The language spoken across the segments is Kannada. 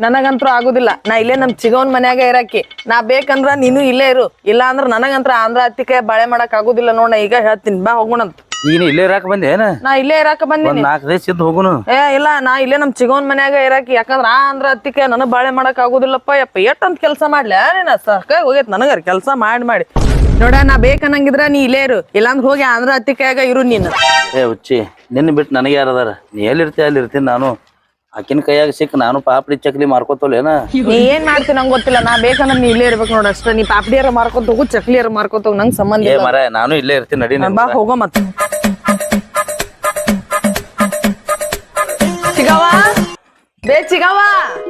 ನನಗಂತೂ ಆಗುದಿಲ್ಲ. ನಾ ಇಲ್ಲೇ ನಮ್ ಚಿಗವನ್ ಮನ್ಯಾಗ ಇರಾಕಿ. ನಾ ಬೇಕಂದ್ರ ನೀನು ಇಲ್ಲೇ ಇರು, ಇಲ್ಲ ಅಂದ್ರ ನನಗಂತ್ರ ಆಂಧ್ರ ಹತ್ತಿಕೆ ಬಾಳೆ ಮಾಡಕ್ ಆಗುದಿಲ್ಲ ನೋಡ. ಈಗ ಹೇಳ್ತೀನಿ, ಬಾ ಹೋಗೋಣಂತ. ನೀನು ಇಲ್ಲೇ ಇರಾಕ ಬಂದೇನ? ನಾ ಇಲ್ಲೇ ಇರಾಕ ಬಂದಿನಿ. 4 ದಿವಸ ಇದ್ದು ಹೋಗುನು. ಇಲ್ಲ, ನಾ ಇಲ್ಲೇ ನಮ್ ಚಿಗವನ್ ಮನ್ಯಾಗ ಇರಾಕಿ. ಯಾಕಂದ್ರ ಆಂಧ್ರ ಹತ್ತಿಕೆ ನನಗ್ ಬಾಳೆ ಮಾಡಕ್ ಆಗುದಿಲ್ಲಪ್ಪ. ಯಪ್ಪ ಎಷ್ಟಂತ ಕೆಲ್ಸ ಮಾಡ್ಲ ನೀನ? ಸಾಕಾಗಿ ಹೋಗೈತ್ ನನಗರ ಕೆಲ್ಸ ಮಾಡಿ ನೋಡ. ನಾ ಬೇಕನ್ನಂಗಿದ್ರ ನೀ ಇಲ್ಲೇ ಇರು, ಇಲ್ಲಾಂದ್ರ ಹೋಗಿ ಆಂಧ್ರ ಹತ್ತಿಕೆಯಾಗ ಇರು ನೀನು. ಹುಚ್ಚಿ, ನಿನ್ನ ಬಿಟ್ಟು ನನಗೆ ಯಾರದಾರ? ನೀ ಎಲ್ಲಿರ್ತೀಯ ಅಲ್ಲಿ ಇರ್ತೀನಿ ನಾನು. ಆಕಿನ ಕೈಯಾಗ ಸಿಕ್ಕ ನಾನು ಪಾಪಡಿ ಚಕ್ಲಿ ಮಾರ್ಕೋತೋಲೇನ? ನೀ ಏನ್ ಮಾಡ್ತೀನಿ ನಂಗೆ ಗೊತ್ತಿಲ್ಲ. ನಾ ಬೇಕಂದ್ರೆ ನೀ ಇಲ್ಲೇ ಇರ್ಬೇಕು ನೋಡ ಅಷ್ಟ. ನೀ ಪಾಪಡಿಯಾರ ಮಾರ್ಕೊತ ಹೋಗು, ಚಕ್ಲಿಯಾರ ಮಾರ್ಕೊತ ಹೋಗು, ನಂಗೆ ಸಂಬಂಧ ಇಲ್ಲ. ಮರ ನಾನು ಇಲ್ಲೇ ಇರ್ತೀನಿ, ನಡಿ. ಬಾ ಹೋಗೋ ಮತ್ತ. ಚಿಗವ್ವ, ಚಿಗವ್ವ.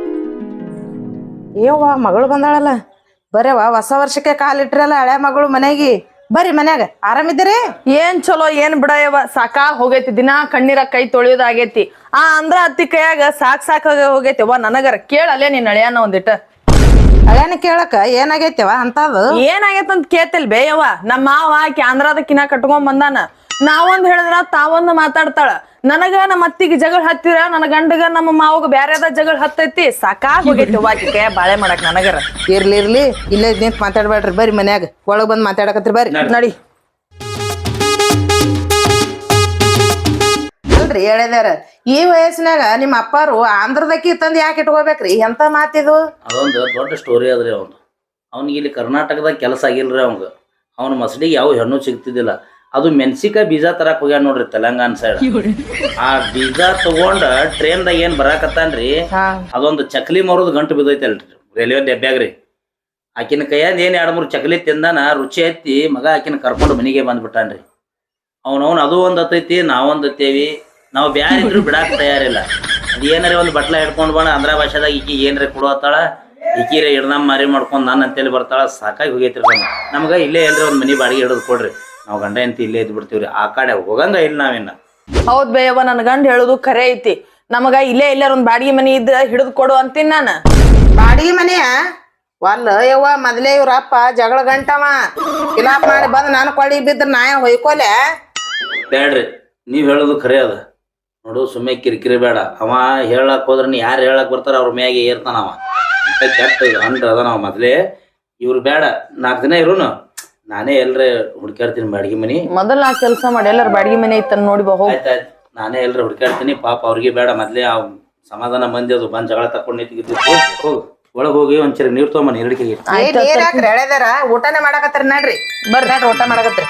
ಏವ್ವ ಮಗಳು ಬಂದಾಳಲ್ಲ. ಬರೇವ ಹೊಸ ವರ್ಷಕ್ಕೆ ಕಾಲಿಟ್ರಲ್ಲ ಹಳೆ ಮಗಳು ಮನೆಗೆ. ಬರ್ರಿ ಮನ್ಯಾಗ ಆರಾಮಿದ್ದೀರಿ? ಏನ್ ಚಲೋ ಏನ್ ಬಿಡಯವ, ಸಾಕಾ ಹೋಗೈತಿ. ದಿನಾ ಕಣ್ಣೀರ ಕೈ ತೊಳಿಯೋದಾಗೈತಿ. ಅಂದ್ರ ಅತ್ತಿ ಕೈಯಾಗ ಸಾಕ್ ಹೋಗೈತಿ. ಅವ್ವ ನನಗರ ಕೇಳಲ್ಲೇ ನೀನ್ ಅಳಿಯಾನ ಒಂದಿಟ್ಟ. ಹಳೆನ ಕೇಳಕ ಏನಾಗೈತೆವ ಅಂತದು? ಏನಾಗೈತ ಅಂತ ಕೇಳ್ತಿಲ್ ಬೇಯವ್ವ. ನಮ್ಮ ಮಾವ ಆಕಿ ಆಂಧ್ರದ ಕಿನ ಕಟ್ಕೊಂಡ್ ಬಂದಾನ. ನಾವೊಂದ್ ಹೇಳಿದ್ರ ತಾವೊಂದು ಮಾತಾಡ್ತಾಳ. ನನಗ ನಮ್ಮ ಅತ್ತಿಗೆ ಜಗಳ ಹತ್ತಿರ, ನನ್ನ ಗಂಡಗ ನಮ್ಮ ಮಾವಗ ಬ್ಯಾರೆದ ಜಗಳ ಹತ್ತೈತಿ. ಸಾಕಾ ಹೋಗೈತಿ ಆಕಿ ಕೈಯ ಬಾಳೆ ಮಾಡಕ್ ನನಗರ. ಇರ್ಲಿ ಇಲ್ಲೇ ನಿಂತ ಮಾತಾಡ್ಬೇಡ್ರಿ, ಬರ್ರಿ ಮನ್ಯಾಗ. ಒಳಗ್ ಬಂದ್ ಮಾತಾಡಕತ್ರಿ, ಬರ್ರಿ. ನಡಿ. ಅಲ್ರಿ ಹೇಳಿದಾರ, ಈ ವಯಸ್ಸಿನಾಗ ನಿಮ್ಮ ಅಪ್ಪಾರು ಆಂಧ್ರದಕ್ಕಿ ತಂದು ಯಾಕೆ ಇಟ್ಕೋಬೇಕ್ರಿ? ಎಂತ ಮಾತಿದು? ಅದೊಂದು ದೊಡ್ಡ ಸ್ಟೋರಿ ಅದ್ರಿ. ಅವ್ನಿಗೆ ಇಲ್ಲಿ ಕರ್ನಾಟಕದಾಗ ಕೆಲಸ ಆಗಿಲ್ರಿ. ಅವ್ನ ಮಸಡಿಗೆ ಯಾವ ಹೆಣ್ಣು ಸಿಗ್ತಿದ್ದಿಲ್ಲ. ಅದು ಮೆಣಸಿಕಾಯಿ ಬೀಜ ತರಕ್ ಹೋಗ್ಯಾನ ನೋಡ್ರಿ ತೆಲಂಗಾಣ ಸೈಡ್. ಆ ಬೀಜ ತಗೊಂಡ ಟ್ರೈನ್ದಾಗ ಏನ್ ಬರಾಕತ್ತಾನ್ರಿ, ಅದೊಂದು ಚಕ್ಲಿ ಮರೋದು ಗಂಟು ಬಿದ್ದೈತಲ್ರಿ ರೈಲ್ವೆ ಡಬ್ಬ್ಯಾಗ್ರಿ. ಆಕಿನ ಕೈಯಾಗ ಏನ್ 2-3 ಚಕ್ಲಿ ತಿಂದಾನ, ರುಚಿ ಹತ್ತಿ ಮಗ ಆಕಿನ ಕರ್ಕೊಂಡು ಮನೆಗೆ ಬಂದ್ಬಿಟ್ಟಾನ್ರಿ. ಅವನವನ್ ಅದು ಒಂದ್ ಹತ್ತೈತಿ, ನಾವೊಂದ್ ಹತ್ತೇವಿ. ನಾವು ಬ್ಯಾರಿದ್ರು ಬಿಡಾಕ ತಯಾರಿಲ್ಲ. ಅದ್ ಏನಾರ ಒಂದು ಬಟ್ಲ ಹಿಡ್ಕೊಂಡ್ ಬಂದ ಆಂಧ್ರ ಭಾಷೆದಾಗ ಈಕಿ ಏನ್ರ ಕೊಡತ್ತಾಳ, ಈಕಿರ ಹಿಡ್ದಮ್ಮ ಮಾರಿ ಮಾಡ್ಕೊಂಡ್ ನಾನು ಅಂತೇಳಿ ಬರ್ತಾಳ. ಸಾಕಾಗಿ ಹೋಗೈತ್ರಿ ನಮ್ಗ. ಇಲ್ಲೇ ಎಲ್ರಿ ಒಂದ್ ಮನಿ ಬಾಡಿಗೆ ಹಿಡಿದು ಕೊಡ್ರಿ, ನಾವು ಗಂಡ ಎಂತ ಇಲ್ಲೇ ಇದ್ ಬಿಡ್ತೀವ್ರಿ. ಆ ಕಡೆ ಹೋಗಂಗ ಇಲ್ಲ ನಾವಿನ್ನ. ಹೌದ್ ಬೇಯವ್ವ, ನನ್ ಗಂಡ ಹೇಳುದು ಖರೆ ಐತಿ. ನಮಗ ಇಲ್ಲೇ ಎಲ್ಲಾರ ಒಂದ್ ಬಾಡಿಗೆ ಮನಿ ಇದ್ರ ಹಿಡಿದು ಕೊಡು ಅಂತೀನಿ ನಾನು. ಬಾಡಿಗೆ ಮನೆಯ ಒಲ್ಲ ಯವ್ವ, ಮೊದ್ಲೇ ಇವ್ರಪ್ಪ ಜಗಳ ಗಂಟವ ಕಿಲಾಪ್ ಮಾಡಿ ಬಂದ್ ನಾನು ಕೊಳಿ ಬಿದ್ರ ನಾ ಹೊಯ್ಕೊಲೆ. ಬೇಡ್ರಿ, ನೀವ್ ಹೇಳೋದು ಖರೆ ಅದ ನೋಡು. ಸುಮ್ಮನೆ ಕಿರಿಕಿರಿ ಬೇಡ. ಅವ ಹೇಳಕ್ ಹೋದ್ರ ನೀ ಯಾರು ಹೇಳಕ್ ಬರ್ತಾರ ಅವ್ರ ಮ್ಯಾಗೆ ಏರ್ತಾನ ಅವ. ಕೆಟ್ಟ ಅಂದ್ರ ಅದ ನಾವ್ ಮೊದ್ಲೇ. ಇವ್ರು ಬೇಡ, 4 ದಿನ ಇರುನು, ನಾನೇ ಎಲ್ರ ಹುಡ್ಕಾಡ್ತೀನಿ ಬಾಡಿಗೆ ಮನಿ. ಮೊದಲ ನಾ ಕೆಲ್ಸ ಮಾಡಿ ಎಲ್ಲಾರ ಬಾಡಿಗೆ ಮನೆ ಐತನ್ ನೋಡಿ ಬಾ. ಆಯ್ತಾಯ್ತು, ನಾನೇ ಎಲ್ರ ಹುಡ್ಕಾಡ್ತೀನಿ. ಪಾಪ ಅವ್ರಿಗೆ ಬೇಡ, ಮೊದ್ಲೇ ಆ ಸಮಾಧಾನ ಮಂದಿ ಅದು ಬಂದ್ ಜಗಳ ತಕೊಂಡ್ ನಿಂತಿದ್ದು. ಹೋಗ್ ಒಳಗ್ ಹೋಗಿ ಒಂಚೂರು ನೀರ್ ತೊಗೊಂಬ, ನೀರಡಿಕೆ. ನೀರ್ ಹಾಕ್ರಿ, ಎಳೆದಾರ ಊಟನೇ ಮಾಡಕತ್ರಿ. ನಡ್ರಿ ಬರ್ರಿ ಊಟ ಮಾಡಕತ್ರಿ.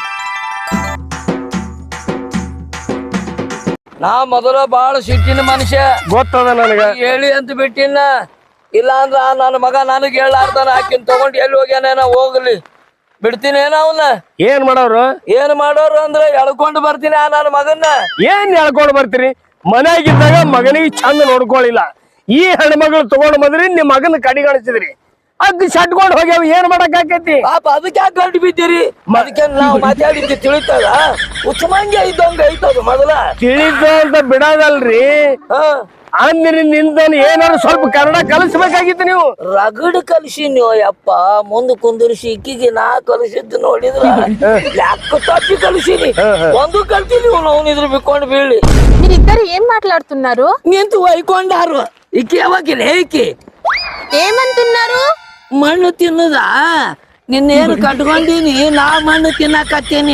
ನಾ ಮೊದಲ ಬಾಳ ಸಿಟ್ಟಿನ ಮನುಷ್ಯ, ಗೊತ್ತದ ನನಗ. ಹೇಳಿ ಅಂತ ಬಿಟ್ಟಿನ. ಇಲ್ಲ ಅಂದ್ರ ನನ್ನ ಮಗ ನನಗೆ ಹೇಳಾರ್ದಾನ. ಆಕಿನ್ ತಗೊಂಡ್ ಎಲ್ಲಿ ಹೋಗ್ಯಾನ, ಹೋಗ್ಲಿ ಬಿಡ್ತೀನಿ. ಅವನ್ನ ಏನ್ ಮಾಡೋರು ಅಂದ್ರೆ ಎಳ್ಕೊಂಡು ಬರ್ತೀನಿ ನನ್ನ ಮಗನ್ನ. ಏನ್ ಹೇಳ್ಕೊಂಡ್ ಬರ್ತೀರಿ? ಮನ್ಯಾಗಿದ್ದಾಗ ಮಗನಿಗೆ ಚಂದ ನೋಡ್ಕೊಳ್ಳಿಲ್ಲ. ಈ ಹೆಣ್ಮಗಳು ತಗೊಂಡ್ ಬಂದ್ರಿ, ನಿಮ್ ಮಗನ ಕಡಿಗಾಣಿಸಿದ್ರಿ. ಅದ್ ಶಟ್ಕೊಂಡ್ ಹೋಗ್ಯಾವ, ಏನ್ ಮಾಡಕ್ ಆಕೈತಿ? ಪಾಪ ಅದಕ್ಕೆ ಯಾಕೆ ಗಂಟು ಬಿದ್ದೀರಿ? ಅದಕ್ಕೆ ನಾವು ಮಾತಾಡಿದ್ದು ತಿಳಿತದ? ಉಚ್ಚಮಂಗೆ ಇದ್ದಂಗ ಐತದ ಮೊದಲ. ತಿಳಿದ ಅಂತ ಬಿಡೋದಲ್ರಿ. ಅಂದ್ರಿ ನಿಂದನ್ ಏನಾದ್ರು ಸ್ವಲ್ಪ ಕನ್ನಡ ಕಲಿಸ್ಬೇಕಾಗಿತ್ತು ನೀವು. ರಗಡ್ ಕಲಿಸಿ ನೀವು ಯಪ್ಪ. ಮುಂದ್ ಕುಂದಿರಿಸಿ ಇಕ್ಕಿಗೆ ನಾ ಕಲಿಸಿದ್ದು ನೋಡಿದ್ರ ಯಾಕ ತಪ್ಪಿ ಕಲಿಸಿನಿ. ಒಂದು ಕಲ್ತೀನಿ ನಾವು ಇದ್ರ ಬಿಕ್ಕೊಂಡು ಬೀಳಿ. మీరిద్దరు ఏం మాట్లాడుతున్నారు? ನಿಂತು ಒಯ್ಕೊಂಡಾರು. ಇಕ್ಕಿ ಯಾವಾಗಿಲ್ಲ ಇಕ್ಕಿ ఏమంటున్నారు? ಮಣ್ಣು ತಿನ್ನುದಾ? ನಿನ್ನೇನು ಕಟ್ಕೊಂಡೀನಿ, ನಾ ಮಣ್ಣು ತಿನ್ನಕತ್ತೀನಿ.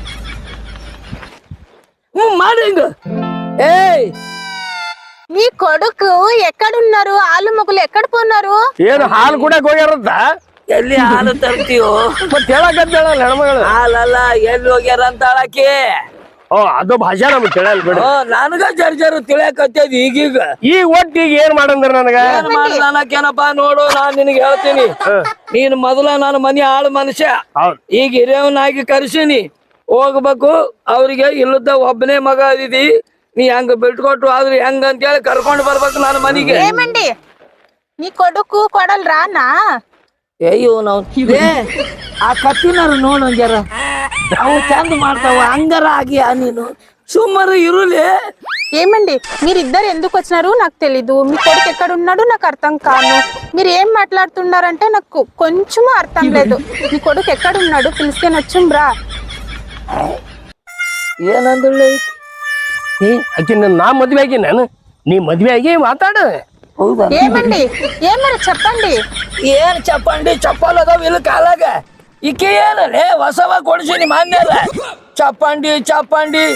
ಮಾಡಿಂಗ. ಏಯ್, మీ కొడుకు ఎక్కడున్నారు? ఆలు మొగులు ఎక్కడ పోన్నారు? ಏನು ಹಾಲು ಕೂಡ ಹೋಗ್ಯಾರಂತ? ಎಲ್ಲಿ ಹಾಲು ತರ್ತೀವೋ? ಮತ್ ಹೇಳಕತ್ತೇಳ ಹೆಣ್ಮಗಳು. ಹಾಲಲ್ಲ, ಎಲ್ಲಿ ಹೋಗ್ಯಾರ ಅಂತ ಹೇಳಕ್ಕೆ. ಅದು ಭಾಷೆ ನಮ್ಗೆ ತಿಳಿಯಲ್ ಬಿಡ. ನನಗ ಜರ್ಜರು ತಿಳಿಯಕತ್ತೇದ್ ಈಗೀಗ. ಈ ಒಟ್ಟಿಗೆ ಏನ್ ಮಾಡಂದ್ರ ನನಗ? ಏನ್ ಮಾಡ್ದಾನಕೇನಪ್ಪ ನೋಡು, ನಾನ್ ನಿನಗೆ ಹೇಳ್ತೀನಿ. ನೀನ್ ಮೊದಲ ನನ್ನ ಮನೆ ಆಳು ಮನುಷ್ಯ, ಈಗ ಹಿರಿಯವನಾಗಿ ಕರ್ಸೀನಿ. ಹೋಗ್ಬೇಕು ಅವ್ರಿಗೆ. ಇಲ್ಲದ ಒಬ್ಬನೇ ಮಗ ಅದಿದಿ, ನೀ ಹೆಂಗ ಬಿಟ್ಕೊಟ್ಟು ಆದ್ರೆ ಹೆಂಗ ಅಂತ ಹೇಳಿ ಕರ್ಕೊಂಡು ಬರ್ಬೇಕು ನನ್ನ ಮನೆಗೆ. ఏమండి నీ కొడుకు కొడలు రానా? ಅಯ್ಯೋ ನಾವು ಆ ಕತ್ತಿನಾರು ನೋಡು ಜರ, ಅವು ಚಂದ ಮಾಡ್ತಾವ. ಹಂಗಾರ ಆಗಿ ನೀನು సుమ్మరు ఇరులే. ఏమండి మీరిద్దరు ఎందుకు వచ్చినారు నాకు తెలీదు. మీ కొడుకు ఎక్కడ ఉన్నాడు నాకు అర్థం కాను. మీరు ఏం మాట్లాడుతున్నారంటే నాకు కొంచెం అర్థం లేదు. మీ కొడుకు ఎక్కడ ఉన్నాడు పిలిస్తే నచ్చుంబ్రా. ಏನಂదుಳ್ಳೆ ಆಕಿ ನಾ ಮದ್ವೆ ಆಗಿ ನಾನು, ನೀ ಮದ್ವೆ ಆಗಿ ಮಾತಾಡ. ಓ ಹೌದಾ ఏమండి ఏం మరి చెప్పండి. ಏನ್ ಚಪ್ಪಂಡಿ ಚಪ್ಪಲ್ ಅದಾವ ಇಲ್ಲ ಕಾಲಾಗ ಈಕೆ ಏನಲ್ಲೇ ಹೊಸವ ಕೊಡ್ಸೀನಿ ಮಾನ್ಯಲ್ಲ ಚಪ್ಪಂಡಿ ಚಪ್ಪಂಡಿ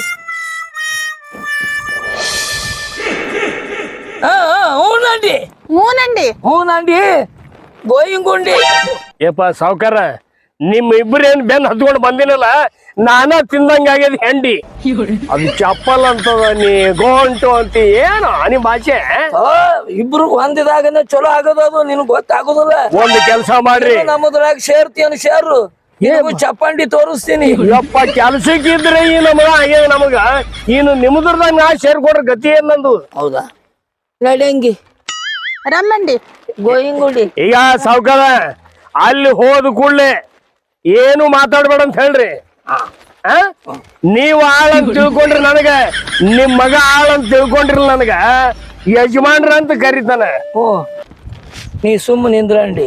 ಹೂನಂಡಿ ఊనండి ಹೂನಂಡಿ ಗೋಯಿಂಗುಂಡಿ ಏಪ ಸಾವ್ಕಾರ ನಿಮ್ ಇಬ್ರೇನ್ ಬೆನ್ ಹತ್ಕೊಂಡು ಬಂದಿನಲ್ಲ ನಾನ ತಿಂದಂಗ ಆಗ್ಯದ ಹೆಂಡಿ ಅದು ಚಪ್ಪಲ್ ಅಂತದ ನೀ ಗೋಂಟು ಅಂತ ಏನು ನಿಮ್ ಭಾಷೆ ಇಬ್ರು ಹೊಂದಿದಾಗನೇ ಚಲೋ ಆಗೋದು ಅದು ನಿನಗ್ ಗೊತ್ತಾಗೋದಿಲ್ಲ ಒಂದ್ ಕೆಲ್ಸ ಮಾಡ್ರಿ ನಮ್ಮದ್ರಾಗ ಸೇರ್ತೀಯನ್ ಸೇರು ನಿನಗೂ ಚಪ್ಪಂಡಿ ತೋರಿಸ್ತೀನಿ ಯಪ್ಪ ಕೆಲ್ಸಕ್ಕಿದ್ರೆ ಈ ನಮಗ ಆಗ್ಯದ ನಮಗ ಇನ್ನು ನಿಮ್ದ್ರದಾಗ ನಾ ಸೇರ್ಕೊಡ್ರ ಗತಿ ಏನ್ ನಂದು ಹೌದಾ ನಡಂಗಿ రమ్మండి. ಗೋಯಿಂಗುಂಡಿ ಈಗ ಸಾವ್ಕಾರ ಅಲ್ಲಿ ಹೋದ ಕೂಡ್ಲೆ ಏನು ಮಾತಾಡ್ಬೇಡ ಅಂತ ಹೇಳ್ರಿ ಆ? ನೀವ್ ಆಳಂತ ತಿಳ್ಕೊಂಡ್ರಿ ನನಗ ನಿಮ್ ಮಗ ಆಳಂತ ತಿಳ್ಕೊಂಡ್ರಿ ನನಗ ಯಜಮಾನ್ರ ಅಂತ ಕರೀತಾನ ಓ ನೀ ಸುಮ್ಮ ನಿಂದ್ರಂಡಿ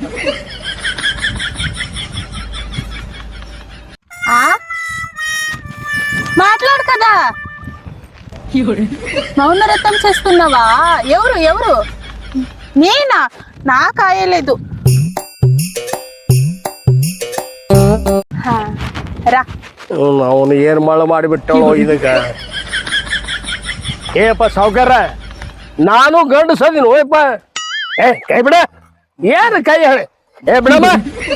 మాట్లాడు కదా. మౌనరథం చేస్తున్నావా? ఎవరు ఎవరు? నేనా? నాకు ఆయలేదు. రా ಅವನು ಏನ್ ಮಳ ಮಾಡಿಬಿಟ್ಟವೋ ಇದಕ್ಕ ಏಪ್ಪ ಸಾವ್ಕಾರ ನಾನು ಗಂಡು ಸದಿನ ಓಯಪ್ಪ ಏ ಕೈ ಬಿಡ ಏನ್ ಕೈ ಹೇಳಿ ಏ ಬಿಡಮ್ಮ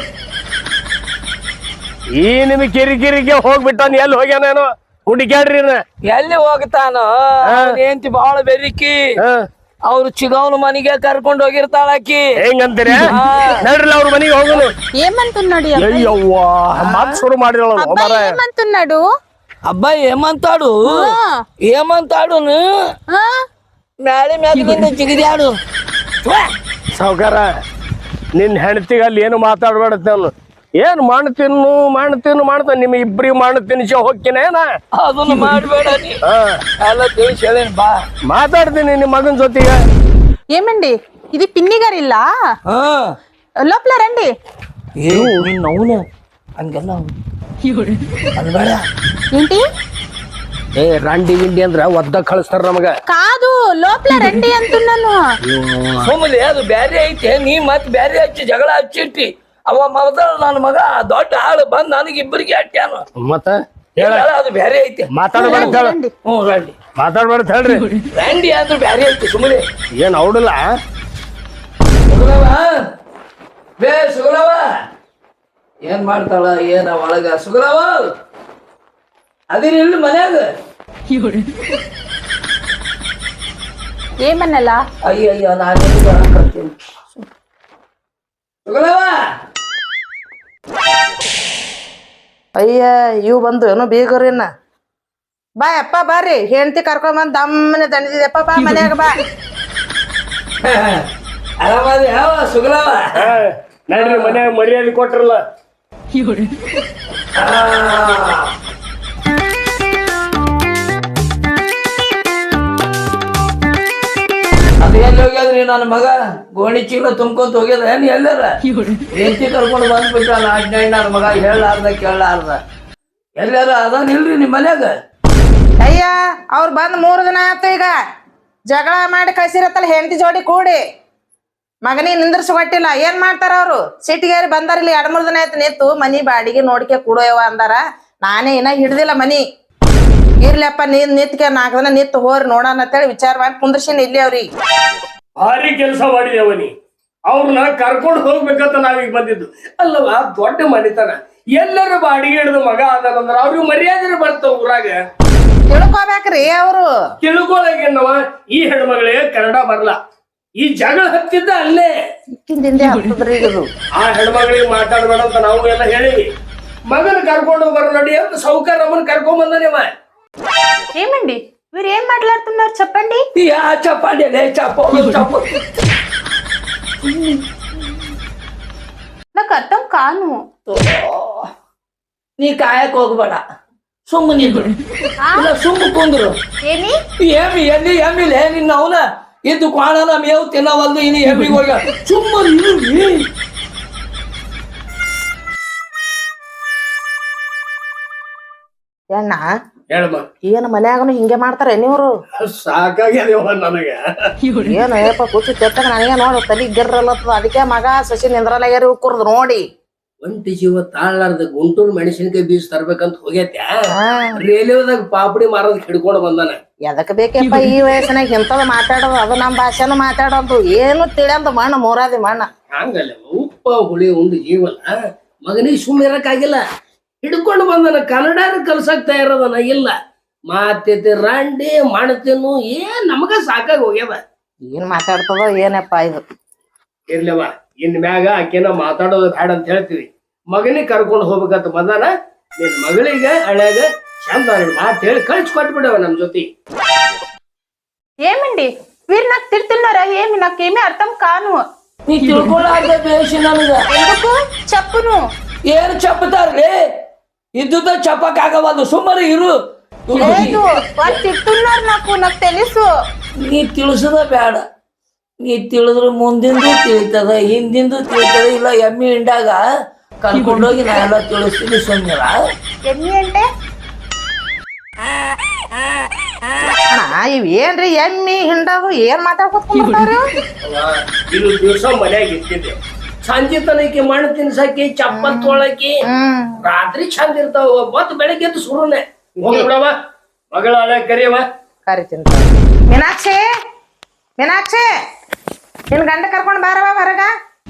ಈ ನಿಮ್ ಕಿರಿಕಿರಿಗೆ ಹೋಗ್ಬಿಟ್ಟಾನ ಎಲ್ಲಿ ಹೋಗ್ಯಾನೇನೋ ಹುಡುಕ್ಯಾಡ್ರಿ ಎಲ್ಲಿ ಹೋಗ್ತಾನೋ ಏಂತಿ ಬಾಳ ಬೆರಿಕಿ ಅವ್ರು ಚಿಗವನ ಮನೆಗೆ ಕರ್ಕೊಂಡ್ ಹೋಗಿರ್ತಾಳ ಆಕಿ ಹೆಂಗಂತೀರಿ ನಡ್ರಲ್ಲ ಅವ್ರ ಮನೆಗೆ ಹೋಗೋನು ఏమంటున్నాడు ఈ అబ్బాయి? ಅಯ್ಯವ್ವ ಮಾತ್ ಶುರು ಮಾಡಿದಳು అబ్బాయి ఏమంటున్నాడు? అబ్బాయి ఏమంతాడు ఏమంతాడు ఆ? ಮ್ಯಾಲೆ ಮ್ಯಾಲಿಂದ ಜಿಗಿದ್ಯಾಡು ಸಾವ್ಕಾರ ನಿನ್ ಹೆಂಡತಿಗೆ ಅಲ್ಲಿ ಏನು ಮಾತಾಡ್ಬೇಡತ್ತೆ ಅವನು ಏನ್ ಮಾಡ್ತಾನೆ ನಿಮ್ ಇಬ್ರಿಗೆ ಮಾಡು ತಿನ್ಸಿ ಹೋಗ್ತೀನೇನ ಅದನ್ನ ಮಾಡ್ಬೇಡ ನೀ ಎಲ್ಲ ತಿಳಿಸಿ ಹೇಳೇನ್ ಬಾ ಮಾತಾಡ್ತೀನಿ ನಿಮ್ ಮಗನ್ ಜೊತೆಗೆ ఏమండి ఇది పిన్ని గారి ఇల్లా? లోపల రండి. ನಿನ್ನ ಅವನು ಹಂಗೆಲ್ಲ ಅನ್ಬೇಡ ఏంటి? ಏ ರಂಡಿ ಗಿಂಡಿ ಅಂದ್ರ ಒದ್ದ ಕಳಿಸ್ತಾರ ನಮಗ కాదు లోపల రండి అంటున్నాను. ಸುಮ್ಮನೆ ಅದು ಬ್ಯಾರೆ ಐತೆ ನೀ ಮತ್ ಬ್ಯಾರೆ ಹಚ್ಚಿ ಜಗಳ ಹಚ್ಚಿಟ್ಟಿ ಅವ ಮೊದಲ ನನ್ನ ಮಗ ದೊಡ್ಡ ಆಳು ಬಂದ್ ನನಗೆ ಇಬ್ಬರಿಗೆ ಅಟ್ಟ್ಯಾನು ಮತ್ತ ಅದು ಬ್ಯಾರೆ ಐತೆ ಮಾತಾಡ್ಬೇಡ ಹೇಳ ಹ್ಞೂ ರಂಡಿ ಮಾತಾಡ್ಬೇಡ ಹೇಳ್ರಿ ರಂಡಿ ಅಂದ್ರೆ ಬ್ಯಾರೆ ಐತಿ ಸುಮ್ಮನೆ ಏನ್ ಅವಡಲ್ಲ ಸುಗಲವ ಬೇ ಸುಗಲವ ಏನ್ ಮಾಡ್ತಾಳ ಏನ ಒಳಗ ಸುಗಲವ ಅದಿರಿ ಇಲ್ಲಿ ಮನ್ಯಾಗ ఏమన్నలా? ಅಯ್ಯಯ್ಯೋ ನಾನು ಸುಗಲವ ಅಯ್ಯ ಇವ್ ಬಂದು ಏನೋ ಬೀಗರಿನ ಬಾ ಅಪ್ಪ ಬಾರಿ ಹೆಂಡತಿ ಕರ್ಕೊಂಬಂದ್ ದಮ್ಮನೆ ದಣಿದಿದೆಪ್ಪ ಬಾ ಮನ್ಯಾಗ ಬಾ ಆರಾಮದಿ ಯಾವ ಸುಗಲವ ನಡ್ರಿ ಮನ್ಯಾಗ ಮರ್ಯಾದೆ ಕೊಟ್ರಲ್ಲ ಅದು ಎಲ್ಲಿ ಹೋಗ್ಯದ್ರಿ ನನ್ನ ಮಗ ಗೋಣಿ ಚೀಲ ತುಂಬ್ಕೊಂತ ಹೋಗ್ಯದ ಏನ್ ಎಲ್ಲಾರ ಹೆಂಡತಿ ಕರ್ಕೊಂಡು ಬಂದ್ಬಿಟ್ಟಲ್ಲ ಅಡ್ಡಾಡ್ ನನ್ನ ಮಗ ಹೇಳಾರ್ದ ಕೇಳಾರ್ದ ಎಲ್ಲಾರ ಅದಾನ ಇಲ್ರಿ ನಿಮ್ ಮನ್ಯಾಗ ಅಯ್ಯ ಅವ್ರು ಬಂದ್ 3 ದಿನ ಆಯ್ತು ಈಗ ಜಗಳ ಮಾಡಿ ಕಳ್ಸಿರತ್ತಲ್ಲ ಹೆಂಡತಿ ಜೋಡಿ ಕೂಡಿ ಮಗನಿಗೆ ನಿಂದ್ರಿಸ್ಕೊಟ್ಟಿಲ್ಲ ಏನ್ ಮಾಡ್ತಾರ ಅವ್ರು ಸಿಟಿಗೇರಿ ಬಂದಾರಿಲ್ಲ 2-3 ದಿನ ಆಯ್ತು ನಿಂತು ಮನಿ ಬಾಡಿಗೆ ನೋಡ್ಕೆ ಕೂಡೋಯವ ಅಂದಾರ ನಾನೇ ಇನ್ನ ಹಿಡ್ದಿಲ್ಲ ಮನಿ ಇರ್ಲಪ್ಪ ನಿತ್ಕೆ 4 ದಿನ ನಿತ್ತು ಹೋರಿ ನೋಡೋಣ ಅಂತೇಳಿ ವಿಚಾರ ಮಾಡಿ ಕುಂದ್ರಸಿನ ಇಲ್ಲಿ ಅವ್ರಿಗೆ ಭಾರಿ ಕೆಲಸ ಮಾಡಿದೇವನಿ ಅವ್ರನ್ನ ಕರ್ಕೊಂಡು ಹೋಗ್ಬೇಕಂತ ನಾವೀಗ ಬಂದಿದ್ದು ಅಲ್ಲವಾ ದೊಡ್ಡ ಮನಿತನ ಎಲ್ಲರೂ ಬಾಡಿಗೆ ಹಿಡಿದು ಮಗ ಅದಾನಂದ್ರ ಅವ್ರಿಗೆ ಮರ್ಯಾದೆ ಬರ್ತಾವ ಊರಾಗ ತಿಳ್ಕೊಬೇಕ್ರಿ ಅವ್ರು ತಿಳ್ಕೊಳಗೇನವ ಈ ಹೆಣ್ಮಗಳೇ ಕನ್ನಡ ಬರಲ್ಲ ಈ ಜಗಳ ಹತ್ತಿದ್ದ ಅಲ್ಲೇ ಇಕ್ಕಿಂದಿಂದೆ ಹತ್ತದ್ರಿ ಇದು ಆ ಹೆಣ್ಮಗಳಿಗೆ ಮಾತಾಡ್ಬೇಡ ಅಂತ ನಾವು ಎಲ್ಲ ಹೇಳಿವಿ ಮಗನ ಕರ್ಕೊಂಡು ಬರೋ ನಡಿ ಅಂತ ಸೌಕರ್ಯ ನಮ್ಮನ್ನ ಕರ್ಕೊಂಡ್ ಬಂದನೇವ ఏమండి మీరు ఏం మాట్లాడుతున్నారు చెప్పండి. ಯಾ ಚಪ್ಪಾಡಿ ಚಪ್ಪ నాకు అర్థం కాను. ನೀ ಕಾಯಕ್ ಹೋಗ್ಬೇಡ ಸುಮ್ಮನೆ ಇಲ್ಲ ಸುಮ್ಮ ಕುಂದ್ರು ఏమి? ಏಮಿ ಎಲ್ಲಿ ಎಮ್ಮಿಲ್ಲ ನಿನ್ನ ಅವನ ಇದ್ದು ಕ್ವಾಣನ ಮೇವು ತಿನ್ನವಲ್ದು ಇನ್ನು ಎಮ್ಮಿಗೆ ಹೋಗ ಸುಮ್ಮನೆ ಏನ ಹೇಳಮ್ಮ. ಏನ್ ಮನ್ಯಾಗನು ಹಿಂಗೆ ಮಾಡ್ತಾರೆ ನೀವ್ರು? ಸಾಕಾಗ್ಯದವ ನನಗ. ಏನು ಏಪ ಕೂತಿ ತೆತ್ತಾಗ ನನಗೆ ನೋಡು ತಲಿ ಗಿರ್ರಲ್ಲತ್ತದ. ಅದಕ್ಕೆ ಮಗ ಸಸಿ ನಿಂದ್ರಲಾಗ್ಯಾರಿ ಕುರ್ದು ನೋಡಿ. ಒಂಟಿ ಜೀವ ತಾಳ್ಲಾರ್ದ ಗುಂಟೂರು ಮೆಣಸಿನಕಾಯಿ ಬೀಜ ತರ್ಬೇಕಂತ ಹೋಗ್ಯತ್ಯಾ, ರೇಲ್ವೆದಾಗ ಪಾಪಡಿ ಮಾರೋದಕ್ಕೆ ಹಿಡ್ಕೊಂಡು ಬಂದಾನ. ಎದಕ್ ಬೇಕಪ್ಪ ಈ ವಯಸ್ಸಿನಾಗ ಇಂಥದ್ ಮಾತಾಡೋದು? ಅದು ನಮ್ ಭಾಷೆನು ಮಾತಾಡೋದು ಏನು ತಿಳಿಯಲ್ದು ಮಣ್ಣು ಮೂರಾದಿ ಮಣ್ಣ. ಹಂಗಲ್ಲ ಉಪ್ಪ ಹುಳಿ ಉಂಡು ಜೀವನ ಮಗನಿಗೆ ಸುಮ್ಮನೆ ಇರಕ್ಕಾಗಿಲ್ಲ, ಹಿಡ್ಕೊಂಡು ಬಂದನ. ಕನ್ನಡನ ಕಲ್ಸಕ್ ತಯಾರದನ ಇಲ್ಲ. ಮಾತೈತಿ ರಾಂಡಿ ಮಾಡ್ತೇನು ಏನ್ ನಮಗ ಸಾಕಾಗಿ ಹೋಗ್ಯದ. ಏನ್ ಮಾತಾಡ್ತದೋ ಏನಪ್ಪ ಇದು. ಇರ್ಲಿವ ಇನ್ ಮ್ಯಾಗ ಆಕೆನ ಮಾತಾಡೋದು ಬೇಡ ಅಂತ ಹೇಳ್ತೀವಿ. ಮಗನಿಗೆ ಕರ್ಕೊಂಡು ಹೋಗ್ಬೇಕಂತ ಬಂದಾನ. ನಿನ್ ಮಗಳಿಗೆ ಹಳ್ಯಾಗ ಚಂದ ಮಾತು ಹೇಳಿ ಕಳ್ಸಿ ಕೊಟ್ಬಿಡವ ನಮ್ ಜೊತೆ. ఏమండి వీరు నాకు తిడుతున్నారా? ఏమి నాకేమీ అర్థం కాను. ನೀ ತಿಳ್ಕೊಳ್ಳಾರ್ದೆ ಬೇಸಿ ನನಗ. ఎందుకు చెప్పును? ಏನು ಚಪ್ಪತಾರ್ರಿ? ಇದ್ದುದ ಚಪ್ಪಕ್ಕಾಗವಲ್ದು, ಸುಮ್ಮನೆ ಇರು. లేదు వాళ్ళు తిడుతున్నారు నాకు తెలుసు. ನೀ ತಿಳಿಸದ ಬೇಡ. ನೀ ತಿಳಿದ್ರು ಮುಂದಿಂದು ತಿಳಿತದ, ಹಿಂದಿಂದು ತಿಳಿತದ. ಇಲ್ಲ ಎಮ್ಮಿ ಹಿಂಡಾಗ ಕರ್ಕೊಂಡೋಗಿ ನಾ ಎಲ್ಲ ತಿಳಿಸ್ತೀನಿ, ಸುಮ್ಮನಿರ. ఎన్ని అంటే ಅಣ್ಣ ಇವ್ ಏನ್ರಿ ಎಮ್ಮಿ ಹಿಂಡದು ಏನ್ ಮಾತಾಡ್ಕೊತ್ಕೊಂಡ್ಬಿಡ್ತಾರು? ಇದು ದಿವಸ ಮನ್ಯಾಗ ಇರ್ತಿದ್ದೆ. ಸಂಜೆ ತನಕ ಮಣ್ಣು ತಿನ್ಸಕ್ಕೆ ಚಪ್ಪಲ್ ತೊಳಕಿ ರಾತ್ರಿ ಚಂದ ಇರ್ತಾವ. ಮತ್ ಬೆಳಗ್ಗೆ ಎದ್ದು ಸುರುನೆ ಹೋಗ್ಬಿಡವ. ಮಗಳ ಹಳೆ ಕರಿಯವ. ಕರಿತೀನಿ. ಮೀನಾಕ್ಷಿ, ಮೀನಾಕ್ಷಿ, ನಿನ್ ಗಂಡ ಕರ್ಕೊಂಡ್ ಬಾರವ ಹೊರಗ.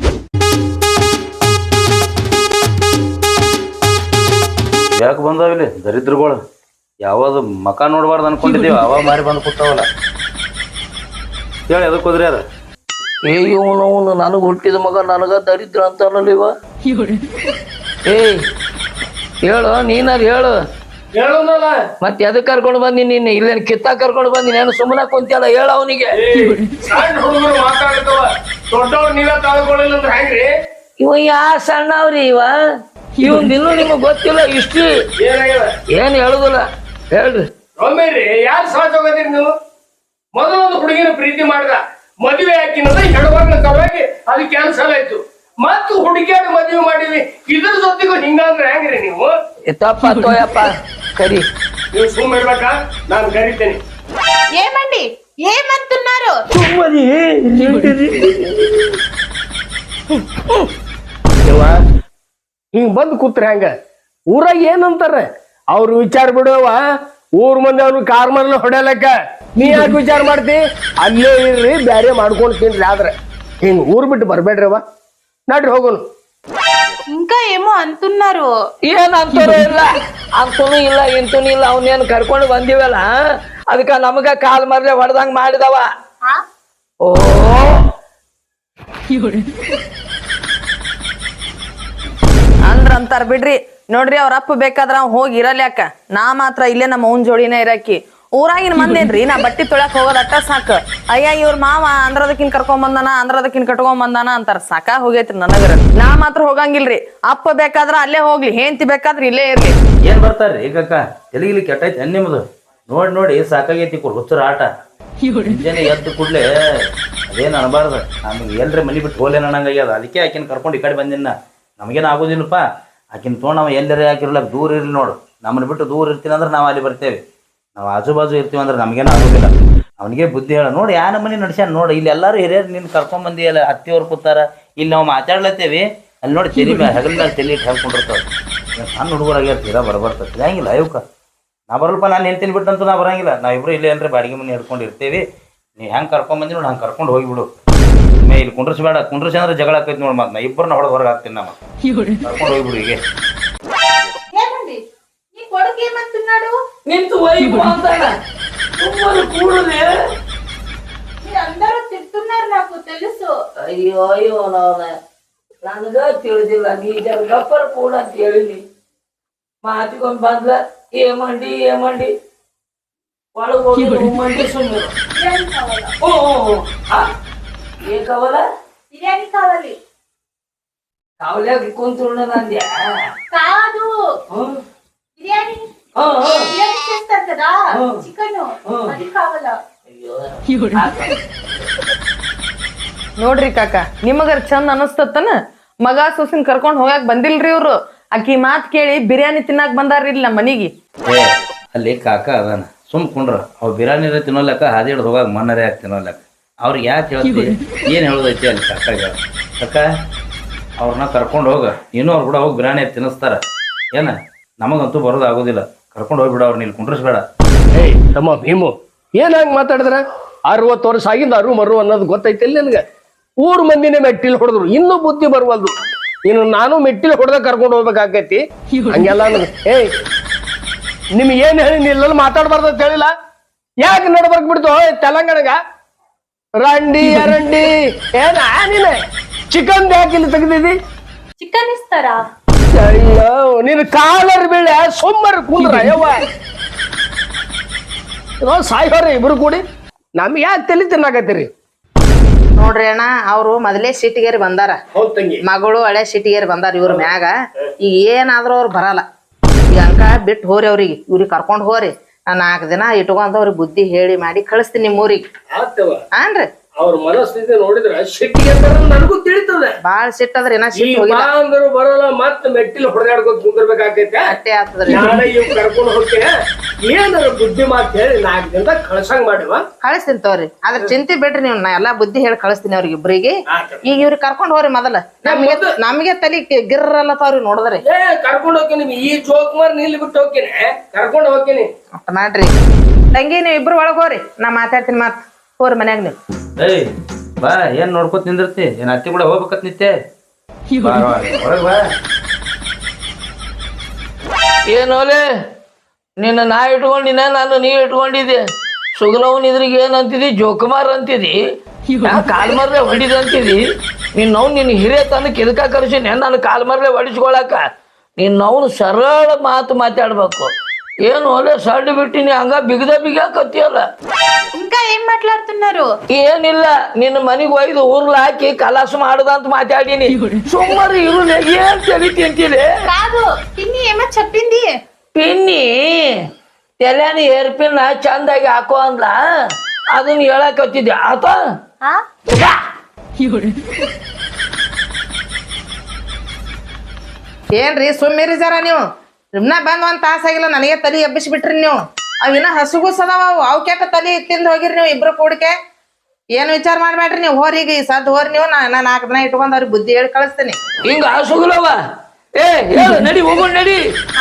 ಯಾಕೆ ಬಂದಾವಿಲ್ಲಿ ದರಿದ್ರಗಳು? ಯಾವಾಗ ಮಕ ನೋಡ್ಬಾರ್ದು ಅನ್ಕೊಂಡಿದ್ದೀವಿ, ಅವ ಮಾರಿ ಬಂದು ಕೂತಾವಲ್ಲ. ಹೇಳಿ ಎದಕ್ಕೆ ಹೋದ್ರಿ ಅದ? ಇವನು ನನಗೆ ಹುಟ್ಟಿದ ಮಗ ನನಗ ದರಿದ್ರ ಅಂತಾನಲ್ಲ ಇವ. ಏಯ್ ಹೇಳು, ನೀನಾರು ಹೇಳು. ಹೇಳೋನಲ್ಲ ಮತ್ತೆ ಎದಕ್ ಕರ್ಕೊಂಡು ಬಂದಿ? ನೀನ್ ಇಲ್ಲೇನು ಕಿತ್ತ ಕರ್ಕೊಂಡು ಬಂದಿ? ನಾನು ಸುಮ್ಮನೆ ಕುಂತಿಯಲ್ಲ, ಹೇಳ ಅವನಿಗೆ. ಸಣ್ಣ ಹುಡುಗರು ಮಾತಾಡ್ತಾವ, ದೊಡ್ಡವ್ರು ನೀವೇ ತಾಳ್ಕೊಳ್ಳಿಲ್ಲ ಅಂದ್ರೆ ಹೆಂಗ್ರಿ? ಇವ ಯಾ ಸಣ್ಣವ್ರಿ ಇವ? ಇವನ್ ಇನ್ನೂ ನಿಮಗ್ ಗೊತ್ತಿಲ್ಲ ಇಷ್ಟ್ರಿ. ಏನಾಗ್ಯದ ಏನ್ ಹೇಳುದಿಲ್ಲ, ಹೇಳ್ರಿ. ಒಮ್ಮೆರಿ ಯಾರು ಸಹಜ ಹೋಗೋದಿರಿ ನೀವು? ಮೊದಲೊಂದು ಹುಡುಗಿನ ಪ್ರೀತಿ ಮಾಡ್ದ, ಮದುವೆ ಹಾಕಿನದ ಹೆಣ್ಮಗ್ಳ ಸಲುವಾಗಿ ಅದು ಕ್ಯಾನ್ಸಲ್ ಆಯ್ತು. ಮತ್ತು ಹುಡುಗಿಯಾಗ ಮದುವೆ ಮಾಡಿದ್ವಿ, ಇದ್ರ ಜೊತೆಗೂ ಹಿಂಗಂದ್ರೆ ಹೆಂಗ್ರಿ ನೀವು? ತಪ್ಪ ತೋಯಪ್ಪ, ಕರಿ. ನೀವು ಸುಮ್ಮ ಇರ್ಬೇಕಾ? ನಾನು ಕರಿತೇನೆ. ఏమండి ఏమంటున్నారు? ಹಿಂಗ್ ಬಂದ್ ಕೂತ್ರ ಹೆಂಗ? ಊರಾಗ ಏನಂತಾರ ಅವ್ರು ವಿಚಾರ ಬಿಡುವ. ಊರ್ ಮಂದಿ ಅವ್ರು ಕಾರ್ ಮರಲ್ಲ ಹೊಡೆಯಲಕ್ಕ ನೀ ಯಾಕೆ ವಿಚಾರ ಮಾಡ್ತಿ? ಅಲ್ಲೇ ಇರ್ರಿ, ಬ್ಯಾರೆ ಮಾಡ್ಕೊಂಡು ತಿನ್ರಿ. ಆದ್ರೆ ಹಿಂಗ್ ಊರ್ ಬಿಟ್ಟು ಬರ್ಬೇಡ್ರವ. ನಡ್ರಿ ಹೋಗೋನು. ఇంకా ఏమో అంటున్నారు. ಏನ್ ಅಂತೂ ಇಲ್ಲ, ಅಂತೂ ಇಲ್ಲ, ಇಂತೂ ಇಲ್ಲ. ಅವನೇನ್ ಕರ್ಕೊಂಡು ಬಂದಿವಲ್ಲ, ಅದಕ್ಕ ನಮಗ ಕಾಲ್ ಮರ್ಲೆ ಹೊಡೆದಂಗ್ ಮಾಡಿದವ. ಓ ಅಂತಾರ ಬಿಡ್ರಿ. ನೋಡ್ರಿ ಅವ್ರ ಅಪ್ಪ ಬೇಕಾದ್ರ ಅವ್ ಹೋಗಿ ಇರಲ್ಯಾಕ, ನಾ ಮಾತ್ರ ಇಲ್ಲೇ ನಮ್ಮ ಅವ್ನ ಜೋಡಿನ ಇರಾಕಿ. ಊರಾಗಿನ ಮಂದೇನ್ರಿ ನಾ ಬಟ್ಟಿ ತೊಳಕ್ ಹೋಗೋದ್ ಅಟ್ಟ ಸಾಕ. ಅಯ್ಯ ಇವ್ರ ಮಾವ ಅಂದ್ರದಕ್ಕಿನ್ ಕರ್ಕೊಂಡ್ ಬಂದಾನ, ಅಂದ್ರದಕ್ಕಿನ್ ಕಟ್ಕೊಂಡ್ ಬಂದಾನ ಅಂತಾರ. ಸಾಕ ಹೋಗೈತ್ರಿ ನನಗರ. ನಾ ಮಾತ್ರ ಹೋಗಂಗಿಲ್ರಿ. ಅಪ್ಪ ಬೇಕಾದ್ರ ಅಲ್ಲೇ ಹೋಗ್ಲಿ, ಹೆಂಡತಿ ಬೇಕಾದ್ರ ಇಲ್ಲೇ ಇರ್ಲಿ. ಏನ್ ಬರ್ತಾರ್ರಿ ಈಗ? ಎಲ್ಲಿಗಿಲಿ ಕೆಟ್ಟೈತೆ ನಿಮ್ದು? ನೋಡಿ ಸಾಕಾಗೈತಿ ಹುಚ್ಚರ ಆಟ. ಮುಂಜಾನೆ ಎದ್ದು ಕೂಡ್ಲೆ ಅದೇನು ಅನ್ಬಾರ್ದು. ನಮ್ಗೆ ಎಲ್ರಿ ಮನಿ ಬಿಟ್ಟು ಹೋಲೇನ ಅನ್ನಂಗಾಗ್ಯದ. ಅದಕ್ಕೆ ಆಕಿನ ಕರ್ಕೊಂಡು ಈ ಕಡೆ ಬಂದಿನ. ನಮಗೇನು ಆಗೋದಿಲ್ಲಪ್ಪ. ಆಕಿನ ತೊಗೊಂಡು ನಾವು ಎಲ್ಲರೇ ಹಾಕಿರ್ಲಕ್ಕ ದೂರ ಇರ್ಲಿ ನೋಡು. ನಮ್ಮನ್ನ ಬಿಟ್ಟು ದೂರ ಇರ್ತೀನಿ ಅಂದ್ರೆ ನಾವು ಅಲ್ಲಿ ಬರ್ತೇವೆ. ನಾವು ಆಜು ಬಾಜು ಇರ್ತೀವಿ ಅಂದ್ರೆ ನಮಗೇನು ಆಗೋದಿಲ್ಲ. ಅವನಿಗೆ ಬುದ್ಧಿ ಹೇಳ. ನೋಡಿ ಯಾ ನಮ್ಮನೆ ನಡ್ಸ್ಯಾನ ನೋಡಿ. ಇಲ್ಲಿ ಎಲ್ಲರೂ ಹಿರಿಯರು ನಿನ್ನ ಕರ್ಕೊಂಡ್ಬಂದಿಯಲ್ಲ, ಅತ್ತಿಯವ್ರು ಕೂತಾರ. ಇಲ್ಲಿ ನಾವು ಮಾತಾಡ್ಲತ್ತೇವಿ, ಅಲ್ಲಿ ನೋಡಿ ತೆಲಿ ಮೇಲೆ ಹೆಗಲ ಮೇಲೆ ತೆಲಿ ಇಟ್ಟು ಹೇಳ್ಕೊಂಡಿರ್ತಾವೆ. ಸಣ್ಣ ಹುಡುಗರಾಗ್ಯಾರ, ತೀರಾ ಬರಬರ್ತದೆ. ಹಂಗಿಲ್ಲ ಇವಕ್ಕ ನಾ ಬರಲ್ಪ. ನಾನು ಹೇಳ್ತೀನಿ ಬಿಟ್ಟಂತೂ ನಾ ಬರಂಗಿಲ್ಲ. ನಾವಿಬ್ರು ಇಲ್ಲೇ ಅಂದ್ರೆ ಬಾಡಿಗೆ ಮನೆ ಹಿಡ್ಕೊಂಡು ಇರ್ತೇವಿ. ನೀವು ಹೆಂಗೆ ಕರ್ಕೊಂಡ್ಬಂದಿ ನೋಡಿ ಹಂಗೆ ಕರ್ಕೊಂಡು ಹೋಗಿಬಿಡು. ಇಲ್ಲಿ ಕುಂಡ್ರಿಸ್ಬೇಡ. ಕುಂಡ್ರಿಸಿ ಅಂದ್ರೆ ಜಗಳ ಆಕೈತಿ ನೋಡಿ. ಮತ್ತೆ ನಾ ಇಬ್ಬರನ್ನ ಹೊಡೆದು ಹೊರಗೆ ಹಾಕ್ತೀನಿ. ನಮ್ಮ ಕರ್ಕೊಂಡು ಹೋಗ್ಬಿಡು. ಈಗ ఏమండి నీ కొడుకు ఏమంటున్నాడు? ನಿಂತು ವೈಬು ಅಂತಾನ. ಸುಮ್ಮನೆ ಕೂಡದೆ. మీరందరూ తిడుతున్నారు, నాకు తెలుసు. ಅಯ್ಯೋ ನನಗ ತಿಳಿದಿಲ್ಲ. ನೀ ಜರ ಗಪ್ಪರ್ ಕೂಡ ಅಂತ ಹೇಳಿನಿ. ಮಾತಿಗೊಂಡ್ ಬಂದ್ಲ ಏಮಂಡಿ ಒಳಗೆ ಹೋಗಿ ಮಂಡಿ ಸುಮ್ಮನೆ. బిర్యానీ కావాలా? ಏನ್ ಕಾವಲ? బిర్యానీ కావాలి. ಕಾವಲ್ಯಾಗ ಕುಂತು ನಂದ್ಯಾ? కాదు బిర్యానీ. బిర్యానీ చేస్తారు కదా, చికెన్, అది కావాలా? ನೋಡ್ರಿ ಕಾಕ, ನಿಮಗರ ಚಂದ ಅನಸ್ತತನ? ಮಗ ಸೊಸಿನ್ ಕರ್ಕೊಂಡ್ ಹೋಗಾಕ್ ಬಂದಿಲ್ರಿ ಇವ್ರು. ಆಕಿ ಮಾತ್ ಕೇಳಿ ಬಿರಿಯಾನಿ ತಿನ್ನಾಕ್ ಬಂದಾರ್ರಿ ಇಲ್ಲಿ ನಮ್ಮ ಮನಿಗೆ. ಅಲ್ಲಿ ಕಾಕ ಅದಾನ ಸುಮ್ ಕುಂಡ್ರ ಅವ್ ಬಿರಿಯಾನಿರ ತಿನ್ನೋಲೆಕ್ಕ ಹಾದಿ ಹಿಡ್ದು ಹೋಗಾಗ ಮಣ್ಣರೇ ಆಗಿ ತಿನ್ನೋಲೆಕ್ಕ ಅವ್ರಿಗೆ ಯಾಕೆ ಹೇಳ್ತಿ ಏನು ಹೇಳೋದೈತಿ ಅಲ್ಲಿ ಕಾಕಾಗ ಕಾಕ ಅವ್ರನ್ನ ಕರ್ಕೊಂಡು ಹೋಗ ಇನ್ನೂ ಅವ್ರು ಕೂಡ ಹೋಗಿ ಬಿರಿಯಾನಿ ತಿನ್ನಿಸ್ತಾರ ಏನ ನಮಗಂತೂ ಬರೋದು ಆಗೋದಿಲ್ಲ ಕರ್ಕೊಂಡು ಹೋಗ್ಬಿಡ ಅವ್ರನ್ನ ಇಲ್ಲಿ ಕುಂಡ್ರಿಸ್ಬೇಡ. ಏಯ್ ತಮ್ಮ ಭೀಮು ಏನ್ ಹಂಗ ಮಾತಾಡಿದ್ರ 60 ವರ್ಷ ಆಗಿಂದ ಅರು ಮರು ಅನ್ನೋದು ಗೊತ್ತೈತಿ ನಿನ್ಗೆ. ಊರ್ ಮಂದಿನೇ ಮೆಟ್ಟಿಲ್ ಹೊಡೆದ್ರು ಇನ್ನೂ ಬುದ್ಧಿ ಬರ್ವಲ್ದು. ಇನ್ನು ನಾನು ಮೆಟ್ಟಿಲ್ ಹೊಡೆದ ಕರ್ಕೊಂಡು ಹೋಗ್ಬೇಕಾಕೈತಿ ಹಂಗೆಲ್ಲ ಏಯ್ ನಿಮ್ಗೆ ಏನ್ ಹೇಳಿ ಇಲ್ಲೆಲ್ಲ ಮಾತಾಡ್ಬಾರ್ದು ಅಂತ ಹೇಳಿಲ್ಲ. ಯಾಕೆ ನಡ್ಬರ್ಕ್ ಬಿಡ್ತು ತೆಲಂಗಾಣಗ ರಂಡಿ ಅರಂಡಿ ಏನ ನೀನೆ ಚಿಕನ್ ಯಾಕೆ ಇಲ್ಲಿ ತೆಗ್ದಿದಿ? ಚಿಕನ್ ಇಸ್ತಾರಾ? ಅಯ್ಯೋ ನೀನು ಕಾಲರ್ ಬೀಳೆ ಸೋಮವಾರ ಕುಂದ್ರ ಯವ್ವ ಸಾಯ್ಹೋರಿ ಇಬ್ರು ಕೂಡಿ ನಮ್ಗೆ ಯಾಕೆ ತಲೆ ತಿನ್ನಾಕತ್ತೀರಿ? ನೋಡ್ರಿ ಅಣ್ಣ ಅವ್ರು ಮೊದಲೇ ಸಿಟಿಗೇರಿ ಬಂದಾರ, ಹೌದ್ ತಂಗಿ. ಮಗಳು ಹಳೆ ಸಿಟಿಗೇರಿ ಬಂದಾರ ಇವ್ರ ಮ್ಯಾಗ. ಈಗ ಏನಾದ್ರೂ ಅವ್ರು ಬರಲ್ಲ. ಈಗ ಅಂಕ ಬಿಟ್ಟು ಹೋರಿ ಅವ್ರಿಗೆ, ಇವ್ರಿಗೆ ಕರ್ಕೊಂಡ್ ಹೋರಿ. ನಾ 4 ದಿನ ಇಟ್ಕೊಂಡ್ ಅವ್ರಿಗೆ ಬುದ್ಧಿ ಹೇಳಿ ಮಾಡಿ ಕಳಿಸ್ತೀನಿ ನಿಮ್ಮ ಊರಿಗೆ. ಹಾನ್ರಿ ಅವ್ರ ಮನಸ್ಥಿತಿ ನೋಡಿದ್ರ ಸಿಟ್ಟಿಗೆ ನನಗೂ ತಿಳಿತದೆ. ಬಾಳ ಸಿಟ್ಟದ್ರಿ ನಾ ಸಿಟ್ಟು ಹೋಗಿಲ್ಲ. ಅಂದ್ರು ಬರಲ್ಲ ಮತ್ತ ಮೆಟ್ಟಿಲ್ ಹೊಡೆದಾಡ್ಕೋತ ಕುಂದಿರ್ಬೇಕಾಕೈತೆ. ಅಟ್ಟೆ ಆಗ್ತದ್ರಿ. ನಾಳೆ ಇವ್ ಕರ್ಕೊಂಡು ಹೋಗ್ತೇನೆ ಏನಾರ ಬುದ್ಧಿ ಮಾತು ಹೇಳಿ 4 ದಿನದಾಗ ಕಳ್ಸಂಗ್ ಮಾಡಿವ ಕಳಿಸ್ತೀನಿ ತೋರಿ. ಅದ್ರ ಚಿಂತೆ ಬಿಡ್ರಿ ನೀವು, ನಾ ಎಲ್ಲಾ ಬುದ್ಧಿ ಹೇಳಿ ಕಳಿಸ್ತೀನಿ ಅವ್ರಿಗೆ ಇಬ್ರಿಗೆ. ಈಗ ಇವ್ರಿಗೆ ಕರ್ಕೊಂಡ್ ಹೋರಿ ಮೊದಲ. ನಮ್ಗೆ ತಲಿ ಗಿರ್ರಲ್ಲ ಅವ್ರಿಗೆ ನೋಡಿದ್ರಿ. ಕರ್ಕೊಂಡು ಹೋಗ್ತೀನಿ ಈ ಜೋಕ್ ಮಾರ್ ನಿಲ್ಲಿ ಬಿಟ್ಟು ಹೋಗ್ತೀನಿ ಕರ್ಕೊಂಡು ಹೋಗ್ತೀನಿ ಅಷ್ಟ ಮಾಡ್ರಿ. ತಂಗಿ ನೀವ್ ಇಬ್ರು ಒಳಗ್ ಹೋರಿ, ನಾ ಮಾತಾಡ್ತೀನಿ ಮಾತ್. ಹೋರಿ ಮನ್ಯಾಗ ನೀವು. ಏಯ್ ಬಾ ಏನ್ ನೋಡ್ಕೊತ ನಿಂದಿರ್ತಿ ಏನ್ ಅತ್ತಿ ಕೂಡ ಹೋಗ್ಬೇಕತ್ ನಿತ್ಯ ಒಳಗ್ ಬಾ. ಏನೋಲೆ ನಿನ್ನ ನಾ ಇಟ್ಕೊಂಡಿನ ನಾನು ನೀ ಇಟ್ಕೊಂಡಿದ್ದೆ. ಸುಗಲವನ್ ಇದ್ರಿಗೆ ಏನಂತಿದಿ? ಜೋಕುಮಾರ್ ಅಂತಿದಿ, ಕಾಲ್ ಮರ್ಲೆ ಹೊಡಿದ ಅಂತಿದಿ. ನಿನ್ನ ಹಿರಿಯ ತನಕ ಇದಕ್ಕ ಕರ್ಸಿನಿ ನಾನು ಕಾಲ್ ಮರ್ಲೆ ಹೊಡಿಸ್ಕೊಳಕ. ನಿನ್ನವನು ಸರಳ ಮಾತು ಮಾತಾಡ್ಬೇಕು. ಏನು ಒಳ್ಳೆ ಸಡ್ಡು ಬಿಟ್ಟಿನಿ ಹಂಗ ಬಿಗದಾಕತ್ತಿಯಲ್ಲ. ఇంకా ఏం మాట్లాడుతున్నారు? ಏನಿಲ್ಲ ನಿನ್ನ ಮನಿಗೆ ಒಯ್ದು ಊರ್ಲ ಹಾಕಿ ಕಲಾಸ ಮಾಡುದ ಅಂತ ಮಾತಾಡಿನಿ. ಸುಮ್ಮನೆ ಇರು ಏನ್ ತೆಗಿತಿ ಅಂತಿದೆ. కాదు పిన్ని ఏమో చెప్పింది. ಪಿನ್ನಿ ತೆಲ್ಯಾನ ಏರ್ಪಿನ್ನ ಚಂದಾಗಿ ಹಾಕೋ ಅಂದ್ಲ, ಅದನ್ನ ಹೇಳಕತ್ತಿದ್ದೆ ಆತ. ఆ ಏನ್ರಿ ಸುಮ್ಮಿರಿ ಜರ ನೀವು. ನಿಮ್ನ ಬಂದ್ 1 ತಾಸ ಆಗಿಲ್ಲ ನನಗೆ ತಲಿ ಎಬ್ಬಿಸಿ ಬಿಟ್ರಿ ನೀವು. ಅವಿನ ಹಸುಗುಸ್ ಅದಾವ, ಅವ್ ಕೆಟ್ಟ ತಲಿ ತಿಂದ್ ಹೋಗಿರಿ ನೀವು ಇಬ್ರು ಕೂಡಿಕೆ. ಏನ್ ವಿಚಾರ ಮಾಡ್ಬೇಡ್ರಿ ನೀವು. ಹೋರಿ ಈಗ ಸದ್ ಹೋರಿ ನೀವು. ನಾ 4 ದಿನ ಇಟ್ಕೊಂಡ್ ಅವ್ರಿಗೆ ಬುದ್ಧಿ ಹೇಳಿ ಕಳಿಸ್ತೀನಿ. ಹಿಂಗ ಸುಗಲವ ಏ ಹೇಳು ನಡಿ ಹೋಗೋಣ ನಡಿ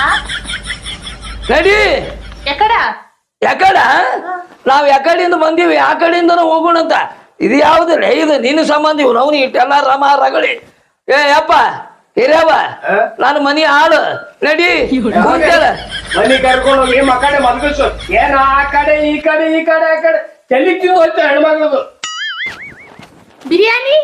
ನಡಿ. ఎక్కడ? ಯಾಕಡ ನಾವ್ ಯಾಕಡೆಯಿಂದ ಬಂದೀವಿ ಆ ಕಡೆಯಿಂದನೂ ಹೋಗೋಣ ಅಂತ. ಇದು ಯಾವ್ದಿಲ್ಲ, ಇದು ನಿನ್ನ ಸಂಬಂಧ. ಇವ್ ನಾವು ಇಟ್ಟೆಲ್ಲ ರಮ ರಗಳಿ. ಏ ಯಪ್ಪ ಹಿರಿಯವ ನಾನು ಮನಿ ಆಳು ನಡಿ ಕೂತೇಳ. ಮನಿ ಕರ್ಕೊಂಡು ಹೋಗಿ ಮಕ್ಕಡೆ ಮಲ್ಗಿಸು. ಏನ ಆ ಕಡೆ ಈ ಕಡೆ ಈ ಕಡೆ ಆ ಕಡೆ ತಲೆ ತಿಂದು ಹೋಯ್ತು ಹೆಣ್ಮಗ್ಳದು. బిర్యానీ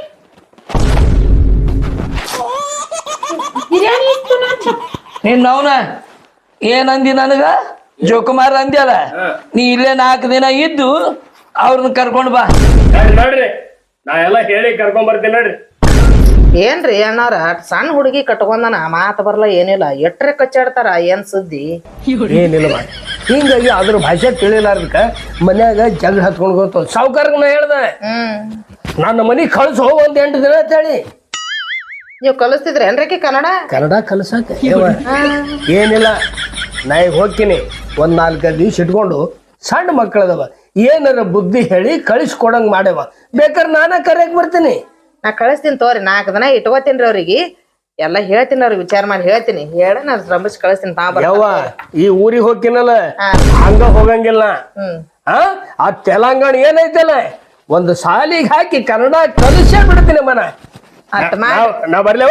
బిర్యానీ ఇస్తున్నా. ನಿನ್ನವನ ಏನಂದಿ ನನಗ? ಜೋಕುಮಾರ್ ಅಂದ್ಯಲ್ಲ, ನೀ ಇಲ್ಲೇ 4 ದಿನ ಇದ್ದು ಅವ್ರನ್ನ ಕರ್ಕೊಂಡ್ ಬಾ. ನೋಡ್ರಿ ನಾ ಎಲ್ಲ ಹೇಳಿ ಕರ್ಕೊಂಡ್ ಬರ್ತೀನಿ ನೋಡ್ರಿ. ಏನ್ರಿ ಅಣ್ಣವ್ರ ಸಣ್ಣ ಹುಡುಗಿ ಕಟ್ಕೊಂಡನ ಮಾತು ಬರಲ್ಲ ಏನಿಲ್ಲ. ಎಟ್ರೆ ಕಚ್ಚಾಡ್ತಾರ. ಏನ್ ಸುದ್ದಿ? ಏನಿಲ್ಲ ಮಾಡಿ ಹಿಂಗಾಗಿ ಅದ್ರ ಭಾಷೆ ತಿಳಿಲಾರ್ದಕ್ಕ ಮನ್ಯಾಗ ಜಗಳ ಹತ್ಕೊಂಡು ಹೋಗ್ತ. ಸಾವುಕಾರಗ ನಾ ಹೇಳ್ದೆ ನನ್ನ ಮನಿ ಕಳ್ಸಿ ಹೋಗ 8 ದಿನ ಅಂತ ಹೇಳಿ. ನೀವ್ ಕಲಿಸ್ತಿದ್ರಿ ಏನ್ರಿ ಕನ್ನಡ ಕಲ್ಸಕ ಏನಿಲ್ಲ. ನಾ ಈಗ ಹೋಗ್ತೀನಿ 1-4 ದಿವ್ಸ ಇಟ್ಕೊಂಡು ಸಣ್ಣ ಮಕ್ಕಳದವ ಏನಾರ ಬುದ್ಧಿ ಹೇಳಿ ಕಳಿಸ್ಕೊಡಂಗ್ ಮಾಡ್ಯವ. ಬೇಕಾದ್ರೆ ನಾನ ಕರೆಯಕ್ ಬರ್ತೀನಿ. ನಾ ಕಳಿಸ್ತೀನಿ ತೋರಿ. 4 ದಿನ ಇಟ್ಕೋತೀನಿ ಅವ್ರಿಗೆ. ಎಲ್ಲ ಹೇಳ್ತೀನಿ ಅವ್ರಿಗೆ, ವಿಚಾರ ಮಾಡಿ ಹೇಳ್ತೀನಿ. ಹೇಳ ನಾನು ಶ್ರಮಿಸಿ ಕಳಿಸ್ತೀನಿ. ಯವ್ವ ಈ ಊರಿಗೆ ಹೋಗ್ತೀನಲ್ಲ ಹಂಗ ಹೋಗಂಗಿಲ್ಲ. ಆ ತೆಲಂಗಾಣ ಏನೈತಲ್ಲ ಒಂದು ಸಾಲಿಗೆ ಹಾಕಿ ಕನ್ನಡ ಕಲಿಸೇ ಬಿಡ್ತೀನಿ ಮನ. ನಾ ಬರ್ಲೇವ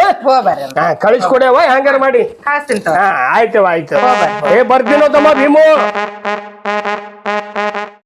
ಬರ್ರಿ ಕಳಿಸ್ಕೊಡ್ಯವ ಹೆಂಗಾರ ಮಾಡಿ. ಕಳಿಸ್ತೀನಿ ಆಯ್ತವ ಆಯ್ತು. ಏ ಬರ್ತೀನೋ ತಮ್ಮ ಭೀಮು.